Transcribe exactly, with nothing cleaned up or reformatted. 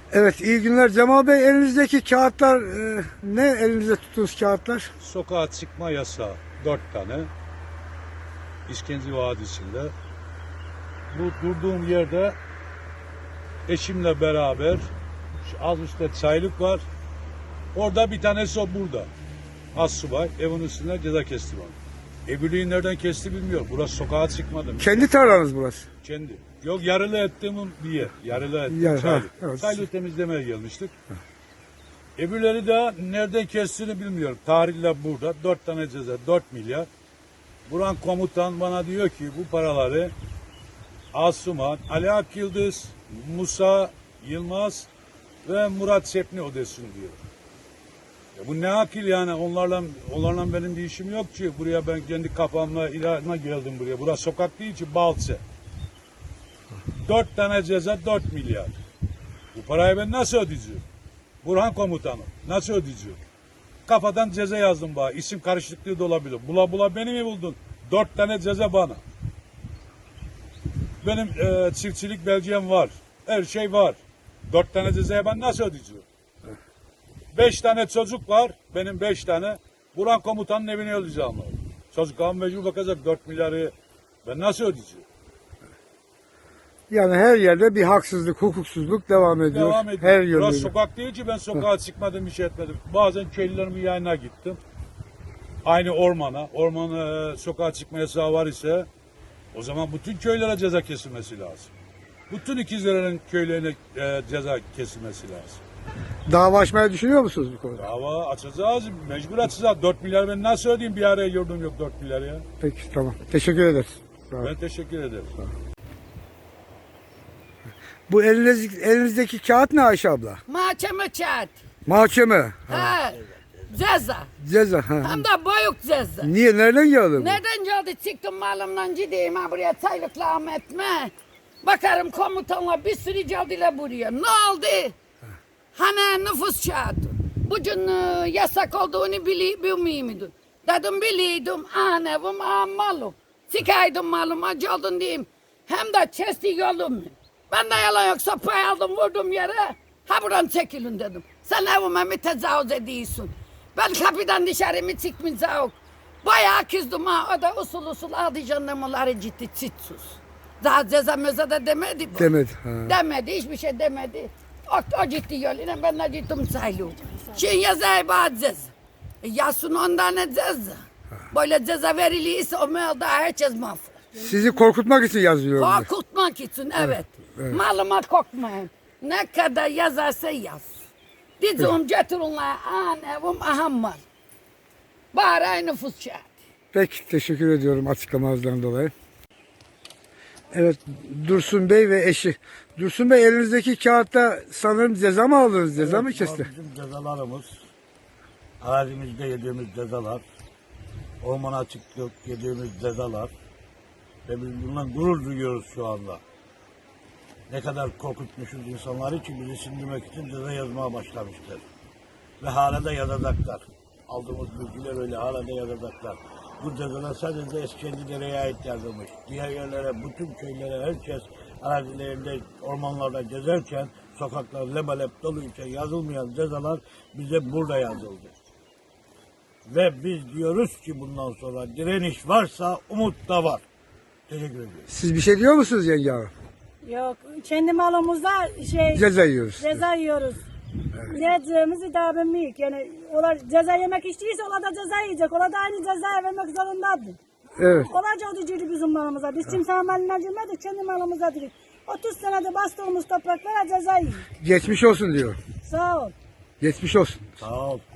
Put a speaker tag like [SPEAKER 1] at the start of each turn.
[SPEAKER 1] Evet, iyi günler Cemal Bey. Elinizdeki kağıtlar e, ne? Elinizde tuttuğunuz kağıtlar?
[SPEAKER 2] Sokağa çıkma yasağı dört tane. İşkence Vadisi'nde. Bu durduğum yerde eşimle beraber şu az üstte çaylık var. Orada bir tanesi o burada. Assubay evin üstünde ceza kesti bana. Ebürlüğü nereden kesti bilmiyorum. Burası sokağa çıkmadım.
[SPEAKER 1] Kendi tarlanız burası.
[SPEAKER 2] Kendi. Yok yarılı ettiğimin bir yer. Yarılı ettiğim
[SPEAKER 1] Ya, ha,
[SPEAKER 2] çaylık.
[SPEAKER 1] evet.
[SPEAKER 2] Çaylığı temizlemeye gelmiştik. Ebürleri de nereden kestiğini bilmiyorum. Tarihle burada. Dört tane ceza. Dört milyar. Buran komutan bana diyor ki bu paraları Asuman, Ali Ak Yıldız, Musa Yılmaz ve Murat Sepni ödesin diyor. Ya bu ne akil yani, onlarla onlarla benim bir işim yok ki. Buraya ben kendi kafamla ilana geldim buraya. Burası sokak değil ki, Balçe. Dört tane ceza, dört milyar. Bu parayı ben nasıl ödeyeceğim? Burhan komutanım, nasıl ödeyeceğim? Kafadan ceza yazdım bana. İsim karışıklığı da olabilir. Bula bula beni mi buldun? Dört tane ceza bana. Benim e, çiftçilik belgem var. Her şey var. Dört tane cezaya ben nasıl ödeyeceğim? Beş tane çocuk var. Benim beş tane. Burhan komutanın evine ödeyeceğim. Çocuklar mecbur bakacak dört milyarı. Ben nasıl ödeyeceğim?
[SPEAKER 1] Yani her yerde bir haksızlık, hukuksuzluk devam ediyor.
[SPEAKER 2] Devam ediyor.
[SPEAKER 1] Her
[SPEAKER 2] Burası
[SPEAKER 1] yönüyle.
[SPEAKER 2] sokak değil ki ben sokağa çıkmadım, bir şey etmedim. Bazen köylülerimin yayına gittim. Aynı ormana. Ormana e, sokağa çıkma yasağı var ise o zaman bütün köylere ceza kesilmesi lazım. Bütün ikizlerin köylerine e, ceza kesilmesi lazım.
[SPEAKER 1] Dava açmayı düşünüyor musunuz bu konuda?
[SPEAKER 2] Dava açacağız, mecbur açacağız. Dört milyar ben nasıl ödeyeyim, bir araya gördüm yok dört milyar ya.
[SPEAKER 1] Peki, tamam. Teşekkür ederiz. Sağ olun.
[SPEAKER 2] Ben teşekkür ederim.
[SPEAKER 1] Bu eliniz, elinizdeki kağıt ne Ayşe abla?
[SPEAKER 3] Mahkeme kağıt.
[SPEAKER 1] Mahkeme.
[SPEAKER 3] Ha. Ceza.
[SPEAKER 1] Ceza. Ha.
[SPEAKER 3] Hem de büyük ceza.
[SPEAKER 1] Niye? Nereden geldi bu?
[SPEAKER 3] Neden geldi? Çıktım malımdan gideyim ha buraya çaylıkla Ahmet'me. Bakarım komutanla bir sürü geldiler buraya. Ne oldu? Hani nüfus kağıdı. Bugün e, yasak olduğunu bili, bilmiyor muydun? Dedim biliyordum. An evim, an malım. Sıkaydım malıma geldin diyeyim. Hem de kesti yolum. Ben de yalan yok, sopayı aldım vurdum yere. Ha buradan çekilin dedim. Sen evime mi tecavüz ediyorsun? Ben kapıdan dışarı mı çıkmayacağım? Bayağı kızdım ha. O da usul usul aldı jandarmaları ciddi çitsuz. Daha ceza meza da demedi bu.
[SPEAKER 1] Demedi. Ha.
[SPEAKER 3] Demedi, hiçbir şey demedi. O, o ciddi yoluyla ben de gittim sayılım. Şimdi yazayı bana ceza. E, yazsın on tane ceza. Böyle ceza veriliyse o mevda herkes mahvolur.
[SPEAKER 1] Sizi korkutmak için yazıyor.
[SPEAKER 3] Korkutmak için evet.
[SPEAKER 1] evet.
[SPEAKER 3] Malıma korkmayın. Ne kadar yazarsa yaz. Dizim getirinler an evim aham mal. Bari nüfus kağıdı.
[SPEAKER 1] Peki, teşekkür ediyorum açıklamalarından dolayı. Evet, Dursun Bey ve eşi. Dursun Bey, elinizdeki kağıtta sanırım ceza mı aldınız? Ceza
[SPEAKER 4] Evet,
[SPEAKER 1] mı kesti?
[SPEAKER 4] Bizim cezalarımız, arazimizde yediğimiz cezalar, ormana çıktık yediğimiz cezalar ve biz bundan gurur duyuyoruz şu anda. Ne kadar korkutmuşuz insanları ki bizi sindirmek için ceza yazmaya başlamışlar. Ve hala da yazacaklar. Aldığımız bilgiler öyle, hala da yazacaklar. Bu cezalar sadece Eskişehir'e ait yazılmış. Diğer yerlere, bütün köylere, herkes arazilerinde, ormanlarda gezerken, sokaklar lebalep doluyken yazılmayan cezalar bize burada yazıldı. Ve biz diyoruz ki bundan sonra direniş varsa umut da var. Teşekkür ediyorum.
[SPEAKER 1] Siz bir şey diyor musunuz yenge hanım?
[SPEAKER 5] Yok, kendi malımızda şey
[SPEAKER 1] Ceza yiyoruz.
[SPEAKER 5] ceza yiyoruz. Ne yiyeceğimizi daha bilmiyoruz. Yani onlar ceza yemek istiyorsa onlar da ceza yiyecek. Onlar da aynı ceza vermek zorundadır.
[SPEAKER 1] Evet.
[SPEAKER 5] Kolayca ödeyiciydi bizim malımıza. Biz kimsenin malına girmedik, kendi malımıza dedik. otuz senede bastığımız topraklara ceza yiyoruz.
[SPEAKER 1] Geçmiş olsun diyor.
[SPEAKER 5] Sağ ol.
[SPEAKER 1] Geçmiş olsun.
[SPEAKER 4] Sağ ol.